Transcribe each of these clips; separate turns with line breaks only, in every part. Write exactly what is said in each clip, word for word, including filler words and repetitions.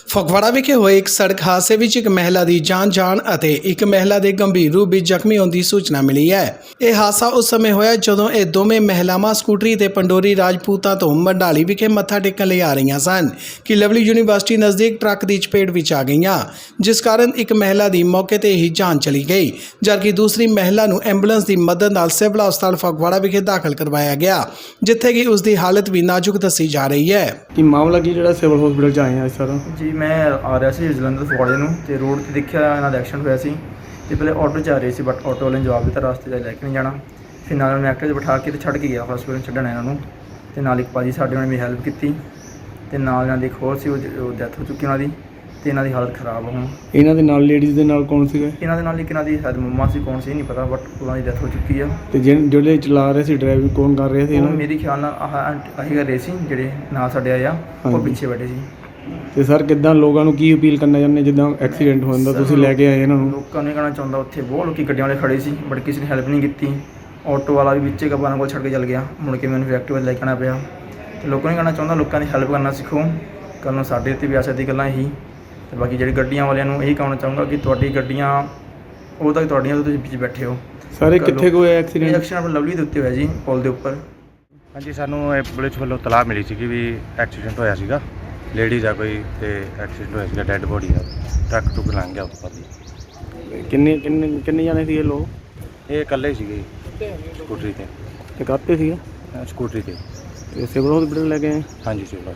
ਫਗਵਾੜਾ ਵਿਖੇ ਹੋਏ ਇੱਕ ਸੜਕ ਹਾਦਸੇ ਵਿੱਚ ਇੱਕ ਮਹਿਲਾ ਦੀ ਜਾਨ ਜਾਣ ਅਤੇ ਇੱਕ ਮਹਿਲਾ ਦੇ ਗੰਭੀਰ ਰੂਪ ਵਿੱਚ ਜ਼ਖਮੀ ਹੋਣ ਦੀ ਸੂਚਨਾ ਮਿਲੀ ਹੈ। ਇਹ ਹਾਦਸਾ ਉਸ ਸਮੇਂ ਹੋਇਆ ਜਦੋਂ ਇਹ ਦੋਵੇਂ ਮਹਿਲਾਵਾਂ ਸਕੂਟਰੀ ਤੇ ਪੰਡੋਰੀ ਰਾਜਪੂਤਾਂ ਤੋਂ ਮੰਡਾਲੀ ਵਿਖੇ ਮੱਥਾ ਟੇਕਣ ਲਈ ਆ ਰਹੀਆਂ ਸਨ ਕਿ ਲਵਲੀ ਯੂਨੀਵਰਸਿਟੀ ਨਜ਼ਦੀਕ ਟਰੱਕ ਦੀ ਚਪੇਟ ਵਿੱਚ ਆ ਗਈਆਂ, ਜਿਸ ਕਾਰਨ ਇੱਕ ਮਹਿਲਾ ਦੀ ਮੌਕੇ ਤੇ ਹੀ ਜਾਨ ਚਲੀ ਗਈ, ਜਦਕਿ ਦੂਸਰੀ ਮਹਿਲਾ ਨੂੰ ਐਂਬੂਲੈਂਸ ਦੀ ਮਦਦ ਨਾਲ ਸਿਵਲ ਹਸਪਤਾਲ ਫਗਵਾੜਾ ਵਿਖੇ ਦਾਖਲ ਕਰਵਾਇਆ ਗਿਆ, ਜਿੱਥੇ ਕਿ ਉਸ ਦੀ ਹਾਲਤ ਵੀ ਨਾਜ਼ੁਕ ਦੱਸੀ ਜਾ ਰਹੀ ਹੈ।
ਕੀ ਮਾਮਲਾ ਕੀ ਜਿਹੜਾ ਸਿਵਲ ਹਸਪੀਟਲ ਚ ਆਏ ਆ ਸਰ?
ਜੀ ਮੈਂ ਆ ਰਿਹਾ ਸੀ ਜਲੰਧਰ ਫਗਵਾੜੇ ਨੂੰ ਤੇ ਰੋਡ ਤੇ ਦੇਖਿਆ ਇਹਨਾਂ ਦਾ ਐਕਸੀਡੈਂਟ ਹੋਇਆ ਸੀ ਤੇ ਪਹਿਲੇ ਆਟੋ 'ਚ ਆ ਰਹੇ ਸੀ, ਬਟ ਆਟੋ ਵਾਲੇ ਨੇ ਜਵਾਬ ਦਿੱਤਾ ਰਸਤੇ 'ਚ ਲੈ ਕੇ ਨਹੀਂ ਜਾਣਾ। ਫਿਰ ਨਾਲ ਉਹਨੇ ਐਕਟਿਵਾ 'ਚ ਬਿਠਾ ਕੇ ਤੇ ਛੱਡ ਕੇ ਗਿਆ ਹਸਪੀਟਲ ਛੱਡਣ ਇਹਨਾਂ ਨੂੰ, ਤੇ ਨਾਲ ਇੱਕ ਭਾਜੀ ਸਾਡੇ ਉਹਨਾਂ ਨੇ ਵੀ ਹੈਲਪ ਕੀਤੀ ਤੇ ਨਾਲ ਇਹਨਾਂ ਦੀ ਇੱਕ ਹੋਰ ਸੀ, ਉਹ ਡੈਥ ਹੋ ਚੁੱਕੀ ਉਹਨਾਂ ਦੀ ਤੇ ਇਹਨਾਂ ਦੀ ਹਾਲਤ ਖਰਾਬ ਹੁਣ।
ਇਹਨਾਂ ਦੇ ਨਾਲ ਲੇਡੀਜ਼ ਦੇ ਨਾਲ ਕੌਣ ਸੀਗਾ?
ਇਹਨਾਂ ਦੇ ਨਾਲ ਇੱਕ ਇਹਨਾਂ ਦੀ ਸ਼ਾਇਦ ਮੰਮਾ ਸੀ, ਕੌਣ ਸੀ ਨਹੀਂ ਪਤਾ, ਬਟ ਉਹਨਾਂ ਦੀ ਡੈਥ ਹੋ ਚੁੱਕੀ ਆ।
ਤੇ ਜਿਹੜੇ ਜਿਹੜੇ ਚਲਾ ਰਹੇ ਸੀ ਡਰਾਈਵਿੰਗ ਕੌਣ ਕਰ ਰਹੇ ਸੀ?
ਉਹ
ਇਹਨਾਂ
ਮੇਰੇ ਖਿਆਲ ਨਾਲ ਆਹ ਆਹੀ ਕਰ ਰਹੇ ਸੀ ਜਿਹੜੇ ਨਾਲ ਸਾਡੇ ਆਏ ਆ, ਉਹ
ਹਾਂਜੀ।
ਪਿੱਛੇ ਬੈਠੇ ਸੀ।
ਤੇ ਸਰ ਕਿੱਦਾਂ ਲੋਕਾਂ ਨੂੰ ਕੀ ਅਪੀਲ ਕਰਨਾ ਚਾਹੁੰਦੇ ਜਿੱਦਾਂ ਐਕਸੀਡੈਂਟ ਹੋ ਜਾਂਦਾ ਤੁਸੀਂ ਲੈ ਕੇ ਆਏ ਇਹਨਾਂ ਨੂੰ?
ਲੋਕਾਂ ਨੂੰ ਇਹ ਕਹਿਣਾ ਚਾਹੁੰਦਾ, ਉੱਥੇ ਬਹੁਤ ਲੋਕੀ ਗੱਡੀਆਂ ਵਾਲੇ ਖੜੇ ਸੀ ਬਟ ਕਿਸੇ ਨੇ ਹੈਲਪ ਨਹੀਂ ਕੀਤੀ। ਆਟੋ ਵਾਲਾ ਵੀ ਵਿੱਚੇ ਗੱਬਾਂ ਕੋਲ ਛੱਡ ਕੇ ਚੱਲ ਗਿਆ, ਮੁੜ ਕੇ ਮੈਨੂੰ ਐਕਟਿਵਾ ਲੈ ਕੇ ਆਉਣਾ ਪਿਆ। ਤੇ ਲੋਕਾਂ ਨੂੰ ਕਹਿਣਾ ਚਾਹੁੰਦਾ ਲੋਕਾਂ ਦੀ ਹੈਲਪ ਕਰਨਾ ਸਿੱਖੋ, ਕੱਲ੍ਹ ਨੂੰ ਸਾਡੇ ਉੱਤੇ ਵੀ ਆ ਸਕਦੀ ਗੱਲਾਂ ਇਹੀ। ਤੇ ਬਾਕੀ ਜਿਹੜੀ ਗੱਡੀਆਂ ਵਾਲਿਆਂ ਨੂੰ ਇਹੀ ਕਹਿਣਾ ਚਾਹੂੰਗਾ ਕਿ ਤੁਹਾਡੀ ਗੱਡੀਆਂ ਉਹ ਤੱਕ ਤੁਹਾਡੀਆਂ ਤੋਂ ਤੁਸੀਂ ਵਿੱਚ ਬੈਠੇ ਹੋ।
ਸਾਰੇ ਕਿੱਥੇ ਕੋਈ ਐਕਸੀਡੈਂਟ?
ਐਕਸੀਡੈਂਟ ਆਪਣਾ ਲਵਲੀ ਦੇ ਉੱਤੇ ਹੋਇਆ ਜੀ, ਪੁਲ ਦੇ ਉੱਪਰ।
ਹਾਂਜੀ, ਸਾਨੂੰ ਇਹ ਪੁਲਿਸ ਵੱਲੋਂ ਤਲਾਹ ਮਿਲੀ ਸੀ ਕਿ ਵੀ ਐਕਸੀਡੈਂਟ ਹੋਇਆ ਸੀਗਾ, ਲੇਡੀਜ਼ ਆ ਕੋਈ ਤੇ ਐਕਸੀਡੈਂਟ ਹੋਇਆ ਸੀਗਾ, ਡੈੱਡ ਬੋਡੀ ਆ, ਟਰੱਕ ਟੁੱਕ ਲੰਘ ਗਿਆ ਉੱਪਰ ਦੀ।
ਕਿੰਨੇ ਕਿੰਨੇ ਕਿੰਨੇ ਜਾਣੇ ਸੀ ਇਹ ਲੋਕ?
ਇਹ ਇਕੱਲੇ ਸੀਗੇ ਸਕੂਟਰੀ ਤੇ।
ਤੇ ਕਾਹਤੇ ਸੀਗਾ?
ਅਹ ਸਕੂਟਰੀ ਤੇ।
ਤੇ ਸਿਵਲ ਹਸਪੀਟਲ ਲੈ ਕੇ ਆਏ?
ਹਾਂਜੀ ਸਿਵਲ।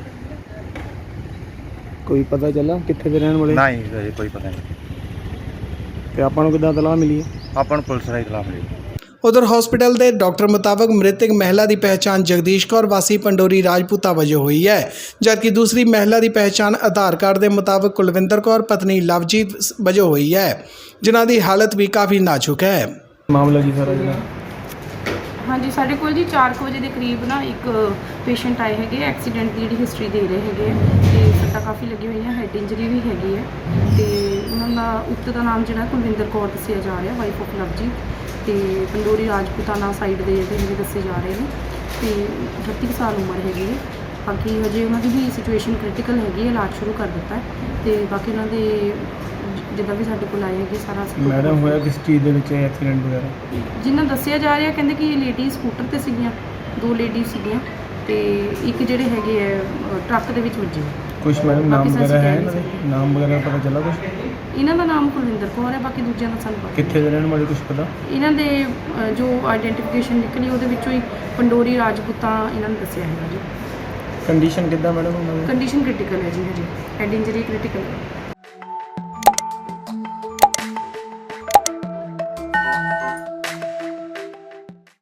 ਕੋਈ ਪਤਾ ਚੱਲਾ ਕਿੱਥੇ ਦੇ ਰਹਿਣ ਵਾਲੇ?
ਨਹੀਂ ਅਜੇ ਕੋਈ ਪਤਾ ਨਹੀਂ।
ਤੇ ਆਪਾਂ ਨੂੰ ਕਿੱਦਾਂ ਤਲਾਹ ਮਿਲੀ ਹੈ?
ਆਪਾਂ ਨੂੰ ਪੁਲਿਸ ਰਾਹੀਂ ਤਲਾਹ ਮਿਲੀ।
ਉਧਰ ਹਸਪੀਟਲ ਦੇ ਡਾਕਟਰ ਮੁਤਾਬਕ ਮ੍ਰਿਤਕ ਮਹਿਲਾ ਦੀ ਪਹਿਚਾਣ ਜਗਦੀਸ਼ ਕੌਰ ਵਾਸੀ ਪੰਡੋਰੀ ਰਾਜਪੂਤਾ ਵਜੋਂ ਹੋਈ ਹੈ, ਜਦਕਿ ਦੂਸਰੀ ਮਹਿਲਾ ਦੀ ਪਹਿਚਾਣ ਆਧਾਰ ਕਾਰਡ ਦੇ ਮੁਤਾਬਕ ਕੁਲਵਿੰਦਰ ਕੌਰ ਪਤਨੀ ਲਵਜੀਤ ਵਜੋਂ ਹੋਈ ਹੈ, ਜਿਨ੍ਹਾਂ ਦੀ ਹਾਲਤ ਵੀ ਕਾਫੀ ਨਾਜ਼ੁਕ ਹੈ।
ਮਾਮਲਾ ਕੀ ਸਾਰਾ ਜਿਹੜਾ?
ਹਾਂਜੀ, ਸਾਡੇ ਕੋਲ ਜੀ ਚਾਰ ਕੁ ਵਜੇ ਦੇ ਕਰੀਬ ਨਾ ਇੱਕ ਪੇਸ਼ੈਂਟ ਆਏ ਹੈਗੇ, ਐਕਸੀਡੈਂਟ ਦੀ ਜਿਹੜੀ ਹਿਸਟਰੀ ਦੇ ਰਹੇ ਹੈਗੇ ਤੇ ਸੱਟਾਂ ਕਾਫੀ ਲੱਗੀਆਂ ਹੋਈਆਂ, ਹੈਡ ਇੰਜਰੀ ਵੀ ਹੈਗੀ ਹੈ ਤੇ ਉਹਨਾਂ ਦਾ ਉੱਤੇ ਦਾ ਨਾਮ ਜਿਹੜਾ ਕੁਲਵਿੰਦਰ ਕੌਰ ਦੱਸਿਆ ਜਾ ਰਿਹਾ, ਵਾਈਫ ਆਫ ਲਵਜੀਤ, ਤੇ ਪੰਡੋਰੀ ਰਾਜਪੂਤਾਨਾ ਸਾਈਡ ਦੇ ਜਿਹੜੇ ਦੱਸੇ ਜਾ ਰਹੇ ਨੇ ਤੇ ਅਠੱਤੀ ਸਾਲ ਉਮਰ ਹੈਗੀ ਹੈ। ਬਾਕੀ ਹਜੇ ਉਹਨਾਂ ਦੀ ਵੀ ਸਿਚੁਏਸ਼ਨ ਕ੍ਰਿਟੀਕਲ ਹੈਗੀ ਹੈ, ਇਲਾਜ ਸ਼ੁਰੂ ਕਰ ਦਿੱਤਾ ਹੈ ਤੇ ਬਾਕੀ ਉਹਨਾਂ ਦੇ ਜਿੱਦਾਂ ਵੀ ਸਾਡੇ ਕੋਲ ਆਏ ਹੈਗੇ ਸਾਰਾ।
ਮੈਡਮ ਹੋਇਆ ਕਿਸ ਚੀਜ਼ ਦੇ ਵਿੱਚ ਐਕਸੀਡੈਂਟ ਵਗੈਰਾ?
ਜਿੰਨਾ ਦੱਸਿਆ ਜਾ ਰਿਹਾ ਕਹਿੰਦੇ ਕਿ ਲੇਡੀ ਸਕੂਟਰ ਤੇ ਸੀਗੀਆਂ, ਦੋ ਲੇਡੀ ਸੀਗੀਆਂ ਤੇ ਇੱਕ ਜਿਹੜੇ ਹੈਗੇ ਆ ਟਰੱਕ ਦੇ ਵਿੱਚ ਵੱਜੇ।
ਕੁਛ ਮੈਡਮ ਨਾਮ ਵਗੈਰਾ ਹੈ ਇਹਨਾਂ ਦੇ? ਨਾਮ ਵਗੈਰਾ ਪਤਾ ਚੱਲਾ ਕੁਛ?
ਇਹਨਾਂ ਦਾ ਨਾਮ ਕੁਲਵਿੰਦਰ ਕੌਰ ਹੈ, ਬਾਕੀ ਦੂਜਿਆਂ ਦਾ ਸਾਨੂੰ ਪਤਾ।
ਕਿੱਥੇ ਦੇ ਰਹਿਣ ਵਾਲੇ ਕੁਛ ਪਤਾ?
ਇਹਨਾਂ ਦੇ ਅ, ਜੋ ਆਈਡੈਂਟੀਫਿਕੇਸ਼ਨ ਨਿਕਲੀ ਉਹਦੇ ਵਿੱਚੋਂ ਹੀ ਪੰਡੋਰੀ ਰਾਜਪੂਤਾਂ ਇਹਨਾਂ ਨੇ ਦੱਸਿਆ ਹੈਗਾ ਜੀ।
ਕੰਡੀਸ਼ਨ ਕਿੱਦਾਂ ਮੈਡਮ ਉਹਨਾਂ ਦੀ?
ਕੰਡੀਸ਼ਨ ਕ੍ਰਿਟੀਕਲ ਹੈ ਜੀ, ਹਜੇ ਹੈਡ ਇੰਜਰੀ ਕ੍ਰਿਟੀਕਲ ਹੈ।